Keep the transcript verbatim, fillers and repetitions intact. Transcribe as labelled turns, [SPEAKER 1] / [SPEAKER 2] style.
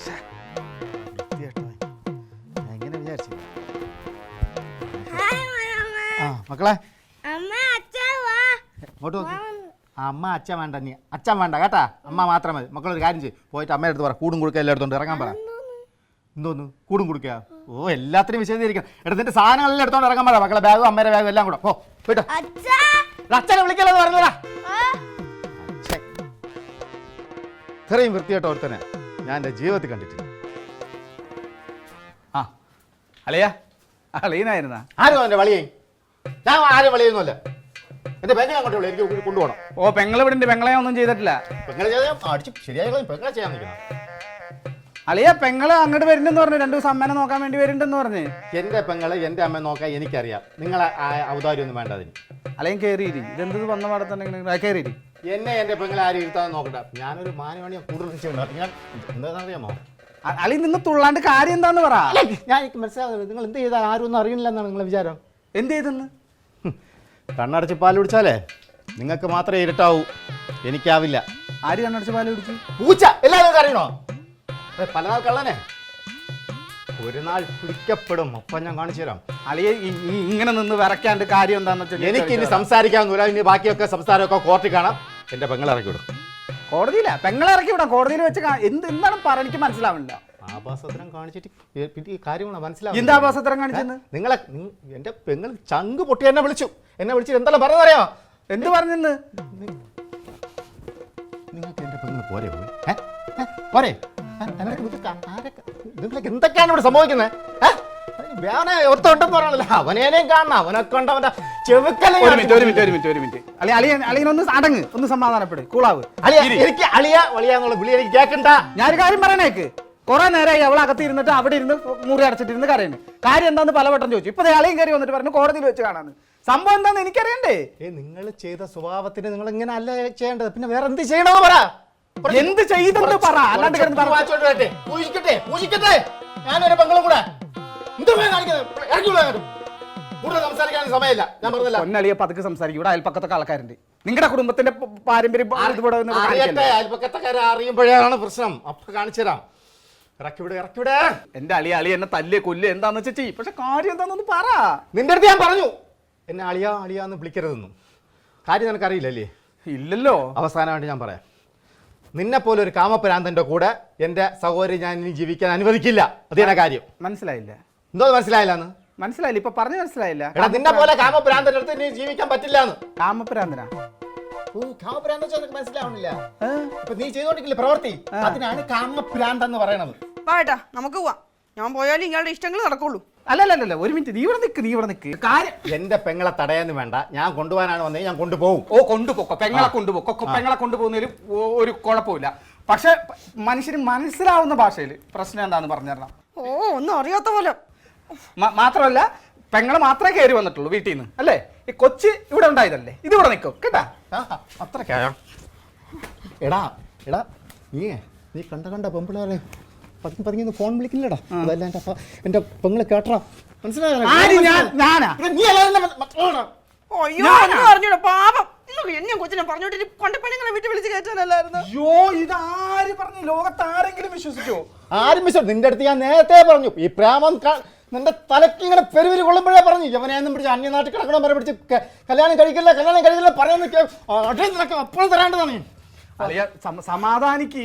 [SPEAKER 1] എങ്ങനെ വിചാരിച്ചു ആ മക്കളെ ഇങ്ങോട്ട് നോക്ക്. അമ്മ അച്ഛൻ വേണ്ട, നീ അച്ഛൻ വേണ്ട കേട്ടാ, അമ്മ മാത്രം മതി. മക്കളൊരു കാര്യം ചെയ്യും, പോയിട്ട് അമ്മയുടെ അടുത്ത് പറ, കൂടും കുടുക്ക എല്ലാം എടുത്തോണ്ട് ഇറങ്ങാൻ പറ. എന്തോന്ന് കൂടും കുടുക്കുക? ഓ എല്ലാത്തിനും വിശദീകരിക്കണം. എടുത്തിട്ട് സാധനങ്ങളെല്ലാം എടുത്തോണ്ട് ഇറങ്ങാൻ പറ. മക്കളെ ബാഗും അമ്മയുടെ ബാഗും എല്ലാം കൂടെ പോ പോയിട്ടോ. അച്ഛനെ വിളിക്കല്ലോ പറഞ്ഞതാ. ഇത്രയും വൃത്തിയായിട്ട് ഓർത്തനെ ഞാൻ എൻ്റെ ജീവിതത്തിൽ കണ്ടിട്ടില്ല.
[SPEAKER 2] ആ അളിയാ അളിയനായിരുന്നാ?
[SPEAKER 1] ആരും അവൻ്റെ വളിയേ? ഞാൻ ആരും വളിയൊന്നുമല്ല. എന്റെ പെങ്ങളെ അങ്ങോട്ടുള്ളൂ, എനിക്ക് കൊണ്ടുപോകണം.
[SPEAKER 2] ഓ പെങ്ങളെ വിടണ്ട്, പെങ്ങളെ ഒന്നും ചെയ്തിട്ടില്ല.
[SPEAKER 1] പെങ്ങളെ ചെയ്യാൻ അടിച്ച് ശരിയായി പെങ്ങളെ ചെയ്യാൻ നിൽക്കണം.
[SPEAKER 2] അളിയ പെങ്ങള് അങ്ങോട്ട് വരുന്നുണ്ടെന്ന് പറഞ്ഞു, രണ്ടു ദിവസം അമ്മേനെ നോക്കാൻ വേണ്ടി വരുന്നുണ്ടെന്ന് പറഞ്ഞ്.
[SPEAKER 1] എന്റെ പെങ്ങളെ എന്റെ അമ്മ നോക്കാൻ എനിക്കറിയാം. നിങ്ങളെ ഔദാര്യം ഒന്നും വേണ്ട അതിന്.
[SPEAKER 2] അല്ലെങ്കിൽ കയറിയിരി, ഇതെന്ത് വന്ന പാടത്തുണ്ടെങ്കിൽ കയറിയിരി.
[SPEAKER 1] എന്നെ എന്റെ പെങ്ങളെ ആരും ഇരുത്താൻ നോക്കണ്ട. ഞാനൊരു മാനവണിയെ കൂടുതൽ ഞാൻ എന്താണെന്നറിയാമോ?
[SPEAKER 2] അളി നിന്ന് തുള്ളാണ്ട് കാര്യം എന്താന്ന് പറ.
[SPEAKER 1] ഞാൻ എനിക്ക് മനസ്സിലാവുന്നത് നിങ്ങൾ എന്ത് ചെയ്താൽ ആരും ഒന്നും അറിയണില്ല എന്നാണ് നിങ്ങളെ വിചാരം.
[SPEAKER 2] എന്ത് ചെയ്തെന്ന്?
[SPEAKER 1] കണ്ണടച്ച് പാൽ കുടിച്ചാലേ നിങ്ങൾക്ക് മാത്രമേ ഇരുട്ടാവൂ, എനിക്കാവില്ല.
[SPEAKER 2] ആര് കണ്ണടച്ച് പാല് കുടിച്ചു?
[SPEAKER 1] പൂച്ച. എല്ലാവരും അറിയണോ? പല നാൾ കള്ളനെ ഒരു നാൾ പിടിക്കപ്പെടും. അപ്പം ഞാൻ കാണിച്ചു തരാം.
[SPEAKER 2] അളിയെ ഇങ്ങനെ നിന്ന് വിറയ്ക്കാണ്ട് കാര്യം എന്താന്ന് വെച്ചാൽ
[SPEAKER 1] എനിക്ക് ഇനി സംസാരിക്കാവുന്നില്ല. ഇനി ബാക്കിയൊക്കെ സംസാരമൊക്കെ കോർട്ടിൽ കാണാം. എന്റെ പെങ്ങളെ ഇറക്കി വിടും.
[SPEAKER 2] കോടതിയില്ല, പെങ്ങളെ ഇറക്കി വിടാം. കോടതിയിൽ വെച്ച് എന്ത് എന്താണ് പറ, എനിക്ക് മനസ്സിലാവില്ല.
[SPEAKER 1] ആഭാസത്തരം കാണിച്ചിട്ട് ഈ കാര്യങ്ങളാണ് മനസ്സിലാവും.
[SPEAKER 2] എന്താ ആഭാസത്തരം കാണിച്ചെന്ന്?
[SPEAKER 1] നിങ്ങളെ എന്റെ പെങ്ങൾ ചങ്ക് പൊട്ടി എന്നെ വിളിച്ചു. എന്നെ വിളിച്ചിട്ട് എന്തെല്ലാം പറഞ്ഞറിയാമോ?
[SPEAKER 2] എന്ത് പറഞ്ഞെന്ന്?
[SPEAKER 1] നിങ്ങൾക്ക് എന്റെ പെങ്ങൾ പോരെ പോയി പോരെ? നിങ്ങൾക്ക് എന്തൊക്കെയാണ് ഇവിടെ സംഭവിക്കുന്നത്? വേറെ ഒത്തുണ്ടെന്ന് പറയണല്ലോ. അവനേനെയും കാണണം, അവനൊക്കെ ഉണ്ട് അവന്റെ ചെവുക്കല.
[SPEAKER 2] ഒരു മിനിറ്റ് ഒരു മിനിറ്റ് ഒരു മിനിറ്റ് ഒരു മിനിറ്റ് അളി അളിയ അളിയനൊന്ന് അടങ്ങ്, ഒന്ന് സമാധാനപ്പെട്, കൂളാവ്.
[SPEAKER 1] എനിക്ക് അളിയ വളിയാന്നുള്ള വിളി എനിക്ക് കേൾക്കണ്ട.
[SPEAKER 2] ഞാനൊരു കാര്യം പറയണേക്ക്. കുറെ നേരമായി അവൾ അകത്ത് ഇരുന്നിട്ട് അവിടെ ഇരുന്ന് മുറി അടച്ചിട്ടിരുന്ന് കരയുന്നു. കാര്യം എന്താന്ന് പലവട്ടം ചോദിച്ചു. ഇപ്പൊ അളിയും കയറി വന്നിട്ട് പറഞ്ഞു കോടതിയിൽ വെച്ച് കാണാന്ന്. സംഭവം എന്താന്ന് എനിക്കറിയണ്ടേ?
[SPEAKER 1] ഏ നിങ്ങൾ ചെയ്ത സ്വഭാവത്തിന് നിങ്ങൾ ഇങ്ങനെ അല്ല ചെയ്യേണ്ടത്. പിന്നെ വേറെ എന്ത് ചെയ്യണമെന്ന് പറ.
[SPEAKER 2] എന്ത് ചെയ്തെന്ന് പറ, അല്ലാണ്ട്
[SPEAKER 1] ഞാനൊരു പെങ്ങളും കൂടെ കൂടുതൽ സംസാരിക്കാൻ സമയമില്ല. ഞാൻ പറഞ്ഞില്ല.
[SPEAKER 2] പൊന്നളിയെ പതുക്കെ സംസാരിക്കും. ഇവിടെ അയൽപ്പക്കത്തൊക്കെ ആൾക്കാരുണ്ട്. നിങ്ങളുടെ കുടുംബത്തിന്റെ പാരമ്പര്യം
[SPEAKER 1] അയൽപ്പക്കത്തക്കാരെ അറിയുമ്പോഴാണ് പ്രശ്നം. അപ്പൊ കാണിച്ചു തരാം. ഇറക്കിവിടെ ഇറക്കിവിടെ.
[SPEAKER 2] എന്റെ അളിയ അളി എന്നെ തല്ല് കൊല്ല് എന്താന്ന് വെച്ചാ ചെയ്യും. പക്ഷെ കാര്യം എന്താണെന്ന് പറ.
[SPEAKER 1] നിന്റെ അടുത്ത് ഞാൻ പറഞ്ഞു എന്നെ അളിയാ അളിയാന്ന് വിളിക്കരുതെന്നും. കാര്യം നിനക്കറിയില്ലല്ലേ?
[SPEAKER 2] ഇല്ലല്ലോ.
[SPEAKER 1] അവസാനമായിട്ട് ഞാൻ പറയാം. നിന്നെ പോലെ ഒരു കാമപ്രാന്തന്റെ കൂടെ എന്റെ സഹോദരി ഞാൻ ഇനി ജീവിക്കാൻ അനുവദിക്കില്ല. അതേ കാര്യം.
[SPEAKER 2] മനസ്സിലായില്ല?
[SPEAKER 1] എന്തോ മനസ്സിലായില്ലാന്ന്?
[SPEAKER 2] മനസ്സിലായില്ല, ഇപ്പൊ പറഞ്ഞു മനസ്സിലായില്ല.
[SPEAKER 1] എടാ നിന്നെ പോലെ കാമപ്രാന്തന്റെ അടുത്ത് ഇനി ജീവിക്കാൻ പറ്റില്ലാന്ന്.
[SPEAKER 2] കാമപ്രാന്തനാ?
[SPEAKER 1] ഓ കാമപ്രാന്ത മനസ്സിലാവണില്ല. ഇപ്പൊ നീ ചെയ്തോണ്ടിരിക്കില്ല പ്രവൃത്തി, അതിനാണ് കാമപ്രാന്ത് എന്ന് പറയണത്.
[SPEAKER 3] പാട്ടാ നമുക്ക് പോവാം. ഞാൻ പോയാലും ഇയാളുടെ ഇഷ്ടങ്ങൾ നടക്കുള്ളൂ.
[SPEAKER 2] അല്ലല്ലല്ല ഒരു മിനിറ്റ്, നീ ഇവിടെ നിൽക്ക്, നീ ഇവിടെ നിൽക്ക്. കാര്യം
[SPEAKER 1] എന്റെ പെങ്ങളെ തടയാന്ന് വേണ്ട. ഞാൻ കൊണ്ടുപോകാനാണ് വന്നത്, ഞാൻ കൊണ്ടുപോകും.
[SPEAKER 2] ഓ കൊണ്ടുപോക്കോ, പെങ്ങളെ കൊണ്ടുപോക്കോ. പെങ്ങളെ കൊണ്ടുപോകുന്നതിൽ ഒരു കുഴപ്പമില്ല. പക്ഷെ മനുഷ്യന് മനസ്സിലാവുന്ന ഭാഷയിൽ പ്രശ്നം എന്താന്ന് പറഞ്ഞു തരണം.
[SPEAKER 3] ഓ ഒന്നും അറിയാത്ത പോലെ.
[SPEAKER 2] മാത്രമല്ല പെങ്ങളെ മാത്രമേ കയറി വന്നിട്ടുള്ളൂ വീട്ടിൽ നിന്ന്, അല്ലേ? ഈ കൊച്ച് ഇവിടെ ഉണ്ടായതല്ലേ, ഇത് ഇവിടെ നിൽക്കും കേട്ടാ.
[SPEAKER 1] അത്രക്കായോ? എടാ എടാ നീ നീ കണ്ട കണ്ട പെമ്പിളാരെ പതുങ്ങി പതുങ്ങി ഫോൺ വിളിക്കില്ലടാ. അതല്ല എന്റെ എന്റെ പെങ്ങളെ കേട്ടറാ. മനസ്സിലായോ?
[SPEAKER 3] അറിഞ്ഞൂടാ പാപം. എന്നെ കൊച്ചിനെ പറഞ്ഞോട്ട് കൊണ്ടപ്പെണ്ണുങ്ങളെ വീട്ടിൽ വിളിച്ച് കയറ്റാനല്ലായിരുന്നു.
[SPEAKER 2] അയ്യോ ഇതാര് പറഞ്ഞു? ലോകത്ത് ആരെങ്കിലും വിശ്വസിക്കോ?
[SPEAKER 1] ആരും വിശ്വസിച്ചു? നിന്റെ അടുത്ത് ഞാൻ നേരത്തെ പറഞ്ഞു. ഈ പ്രേമം നിന്റെ തലക്ക് ഇങ്ങനെ പെരുവിരി കൊള്ളുമ്പോഴേ പറഞ്ഞു യവനെയൊന്നും പിടിച്ച് അന്യനാട്ടിൽ കിടക്കണം വരെ പിടിച്ച് കല്യാണം കഴിക്കില്ല കല്യാണം കഴിക്കില്ല പറയാൻ നിൽക്കുക. അപ്പോൾ തരാണ്ടതാണ്.
[SPEAKER 2] സമാധാനിക്ക്.